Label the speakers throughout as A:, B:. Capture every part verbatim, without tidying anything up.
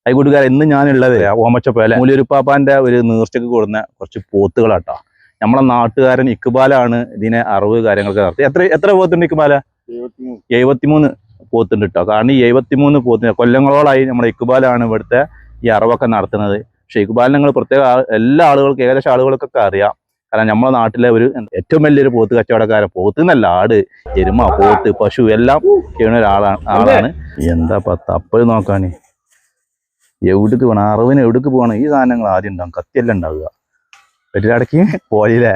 A: Hi കൂട്ടുകാരെ, ഇന്ന് ഞാനുള്ളത് ഓമച്ചപ്പേല മൂലൂരുപ്പാപ്പാന്റെ ഒരു നേർച്ചയ്ക്ക് കൊടുക്കുന്ന കുറച്ച് പോത്തുകളാട്ടോ. നമ്മളെ നാട്ടുകാരൻ ഇക്ബാലാണ് ഇതിനെ അറിവ് കാര്യങ്ങളൊക്കെ നടത്തി. എത്ര എത്ര പോത്തുണ്ട് ഇക്ബാല? എഴുപത്തിമൂന്ന് പോത്തുണ്ട് കേട്ടോ. കാരണം ഈ എഴുപത്തിമൂന്ന് പോത്തിന് കൊല്ലങ്ങളോളായി നമ്മുടെ ഇക്ബാലാണ് ഇവിടുത്തെ ഈ അറിവൊക്കെ നടത്തുന്നത്. പക്ഷെ ഇക്ബാലിനെ നിങ്ങൾ പ്രത്യേക എല്ലാ ആളുകൾക്കും ഏകദേശം ആളുകൾക്കൊക്കെ അറിയാം. കാരണം നമ്മുടെ നാട്ടിലെ ഒരു ഏറ്റവും വലിയൊരു പോത്ത് കച്ചവടക്കാരൻ, പോത്ത് എന്നല്ല, ആട്, എരുമ, പോത്ത്, പശു എല്ലാം ചെയ്യുന്ന ഒരാളാണ് ആളാണ് എന്താ തപ്പൽ നോക്കാന് എവിടേക്ക് പോകണം, അറിവിന് എവിടേക്ക് പോകണം, ഈ സാധനങ്ങൾ ആദ്യം ഉണ്ടാവും. കത്തിയെല്ലാം ഉണ്ടാവുക പെട്ടിടക്ക് പോയില്ലേ?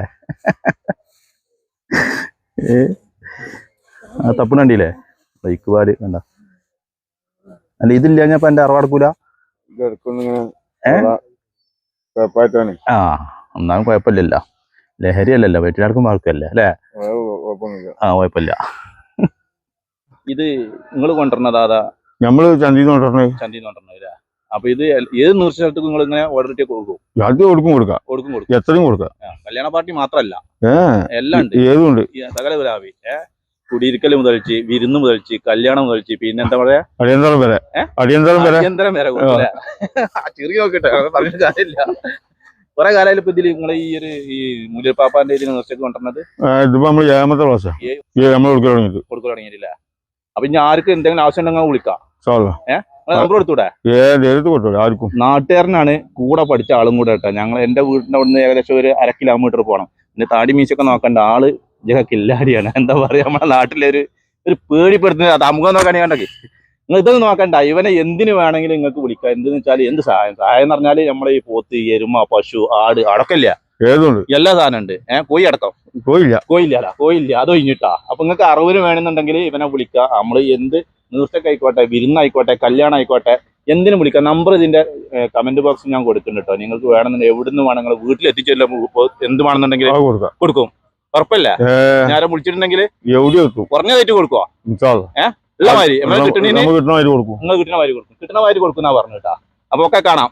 A: ഏ ആ തപ്പണ കണ്ടില്ലേ? ബൈക്ക് പാല് കണ്ട. അല്ല ഇതില്ല ഞാൻ ഇപ്പൊ എന്റെ അറിവടക്കൂല. ആ ഒന്നാമത് കുഴപ്പമില്ലല്ലോ, ലഹരി അല്ലല്ലോ, വെട്ടിനടക്കും ആൾക്കല്ലേ അല്ലേ? ആ കുഴപ്പമില്ല. ഇത് നിങ്ങൾ കൊണ്ടുവരണത് അതാ? നമ്മള് ചന്തിന്ന് കൊണ്ടുവരണേ. ചന്തിന്ന് കൊണ്ടുവരണേ. അപ്പൊ ഇത് ഏത് നൂറ് സ്ഥലത്തേക്ക് നിങ്ങൾ ഇങ്ങനെ ഓർഡർ ഇട്ട് കൊടുക്കും? അത് കൊടുക്കും കൊടുക്കാം കൊടുക്കും കൊടുക്കും എത്രയും കൊടുക്കാം. കല്യാണ പാർട്ടി മാത്രല്ല, എല്ലാം ഉണ്ട്, ഏതുണ്ട്. സകല ഗുലാബി കുടിയിരിക്കൽ മുതൽച്ച്, വിരുന്ന് മുതൽച്ച്, കല്യാണം മുതൽച്ച്, പിന്നെ എന്താ പറയാ അടിയന്തരം വരെ അടിയന്തരം വരെ അടിയന്തരം വരെ ചെറിയ നോക്കട്ടെ, പറഞ്ഞ കാര്യമില്ല. കുറെ കാലമായാലും ഇപ്പൊ ഇതില് നിങ്ങളെ ഈ ഒരു ഈ മൂലൂരുപ്പാപ്പാന്റെ ഇതിന് നേർച്ചയ്ക്ക് കൊണ്ടുവന്നത് ഇതിപ്പോ നമ്മൾ ഏഴാമത്തെ ക്ലാസ് നമ്മൾ കൊടുക്കൽ തുടങ്ങിയിട്ടില്ല. അപ്പൊ ഇനി ആർക്ക് എന്തെങ്കിലും ആവശ്യം ഉണ്ടെങ്കിൽ വിളിക്കാം. ഏഹ് നമ്പർ കൊടുത്തൂടെ? ആർക്കും. നാട്ടുകാരനാണ്, കൂടെ പഠിച്ച ആളും കൂടെ കേട്ടോ. ഞങ്ങൾ എന്റെ വീടിന്റെ അവിടുന്ന് ഏകദേശം ഒരു അര കിലോമീറ്റർ പോകണം. പിന്നെ താടി മീശൊക്കെ നോക്കണ്ട ആള് ജഗ കില്ലാടിയാണ്. എന്താ പറയാ, നമ്മുടെ നാട്ടിലെ ഒരു ഒരു പേടിപ്പെടുത്തുന്ന തമുഖം നോക്കാണെങ്കിൽ കണ്ടേ. നിങ്ങൾ ഇതൊന്നും നോക്കണ്ട, ഇവനെ എന്തിനു വേണമെങ്കിലും നിങ്ങൾക്ക് വിളിക്കാം. എന്തെന്ന് വെച്ചാൽ എന്ത് സഹായം സഹായം എന്ന് പറഞ്ഞാല് നമ്മളെ ഈ പോത്ത്, എരുമ, പശു, ആട് അടക്കമില്ല, എല്ലാ സാധനം ഉണ്ട്. ഏഹ് കോഴി അടക്കം കോയില്ല കോയില്ല കോയില്ല അത് ഒഴിഞ്ഞിട്ടാ. അപ്പൊ നിങ്ങൾക്ക് അറിവിന് വേണമെന്നുണ്ടെങ്കിൽ ഇവനെ വിളിക്കാം. നമ്മള് എന്ത് നേർച്ചക്കായിക്കോട്ടെ, വിരുന്നായിക്കോട്ടെ, കല്യാണം ആയിക്കോട്ടെ, എന്തിനും വിളിക്കാം. നമ്പർ ഇതിന്റെ കമന്റ് ബോക്സിൽ ഞാൻ കൊടുക്കുന്നുണ്ട് കേട്ടോ. നിങ്ങൾക്ക് വേണമെന്നുണ്ടെങ്കിൽ എവിടുന്ന് വേണം, നിങ്ങൾ വീട്ടിൽ എത്തിച്ചല്ലോ എന്ത് വേണമെന്നുണ്ടെങ്കിൽ കൊടുക്കും. ഉറപ്പല്ലേ? ഞാൻ വിളിച്ചിട്ടുണ്ടെങ്കിൽ കുറഞ്ഞതായിട്ട് കൊടുക്കുക. ഏഹ് ഉള്ള മാതിരി നിങ്ങൾ കിട്ടുന്ന മാതിരി കൊടുക്കും, കിട്ടുന്ന മാതിരി കൊടുക്കുന്ന പറഞ്ഞു കേട്ടാ. അപ്പൊ ഒക്കെ കാണാം.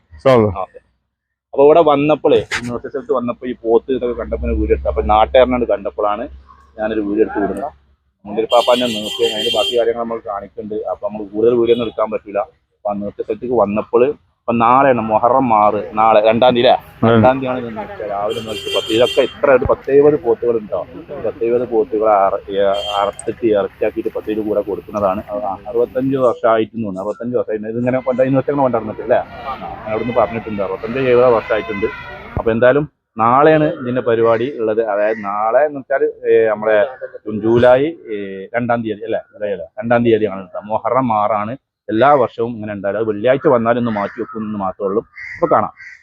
A: അപ്പൊ ഇവിടെ വന്നപ്പോഴേ നേർച്ച സ്ഥലത്ത് വന്നപ്പോ ഈ പോത്ത് ഇതൊക്കെ കണ്ടപ്പോൾ വീഡിയോ എടുത്തു. അപ്പൊ നാട്ടുകാരനോട് കണ്ടപ്പോഴാണ് ഞാനൊരു വീഡിയോ എടുത്ത് വിടുന്നത്. മൂലൂരുപ്പാപ്പാന്റെ നേർച്ച അതിന്റെ ബാക്കി കാര്യങ്ങൾ നമ്മൾ കാണിക്കുന്നുണ്ട്. അപ്പൊ നമ്മൾ കൂടുതൽ വീഡിയോ ഒന്നും എടുക്കാൻ പറ്റില്ല. അപ്പൊ ആ നേർച്ച സ്ഥലത്തേക്ക് വന്നപ്പോൾ ഇപ്പൊ നാളെയാണ് മുഹറം ആറ്, നാളെ രണ്ടാം തീയതി അല്ലേ? രണ്ടാം തീയതിയാണ് നേർച്ച. രാവിലെ നേർച്ച പത്ത് ഇതൊക്കെ ഇത്ര ഒരു പത്തെഴുപത് പോത്തുകൾ ഉണ്ടാവും. പത്തെഴുപത് പോത്തുകൾ അറുത്തിട്ട് ഇറച്ചിയാക്കിയിട്ട് പത്തേഴ് കൂടെ കൊടുക്കുന്നതാണ്. അറുപത്തഞ്ച് വർഷമായിട്ട് തോന്നുന്നു, അറുപത്തഞ്ച് വർഷമായിട്ട് ഇതിങ്ങനെ കൊണ്ടായി നേർച്ചകൾ കൊണ്ടുവന്നിട്ടില്ലേ? അവിടുന്ന് പറഞ്ഞിട്ടുണ്ട് അറുപത്തഞ്ച് എഴുപത് വർഷമായിട്ടുണ്ട്. അപ്പൊ എന്തായാലും നാളെയാണ് ഇതിന്റെ പരിപാടി ഉള്ളത്. അതായത് നാളെ എന്ന് വെച്ചാൽ നമ്മളെ ജൂലൈ രണ്ടാം തീയതി അല്ലേ? രണ്ടാം തീയതിയാണ് കേട്ടോ. മുഹറം ആറാണ്. എല്ലാ വർഷവും ഇങ്ങനെ ഉണ്ടാവില്ല. അത് വെള്ളിയാഴ്ച വന്നാലും ഒന്ന് മാറ്റി വെക്കുമെന്ന് മാത്രമേ ഉള്ളൂ. അപ്പൊ കാണാം.